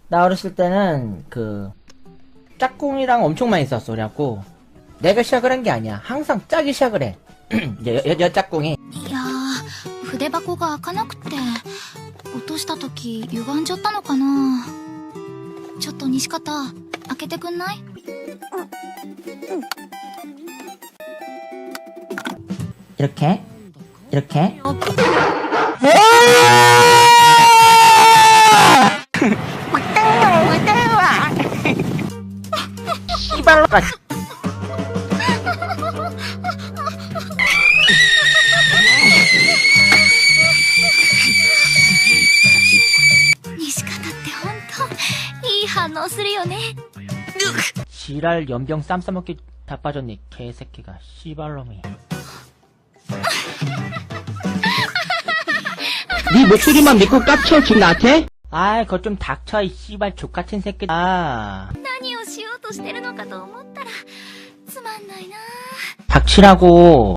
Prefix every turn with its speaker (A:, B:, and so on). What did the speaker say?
A: 나 어렸을 때는 짝꿍이랑 엄청 많이 있었어. 그래갖고 내가 시작을 한 게 아니야. 항상 짝이 시작을 해. 짝꿍이.
B: いやー、筆箱が開かなくて、落とした時歪んじゃったのかな。ちょっと西方、開けてくんない？
A: 이렇게 이렇게. 씨발로가. 지랄 연병 쌈 싸먹기 다 빠졌네 개새끼가 씨발놈이.
C: 네 목소리만 믿고 깝쳐 지금 나한테?
A: 아이 그거 좀 닥쳐 이 씨발 족같은 새끼. 아
B: 何をしようとしてるのかと思ったらつまんないな。
A: 닥치라고.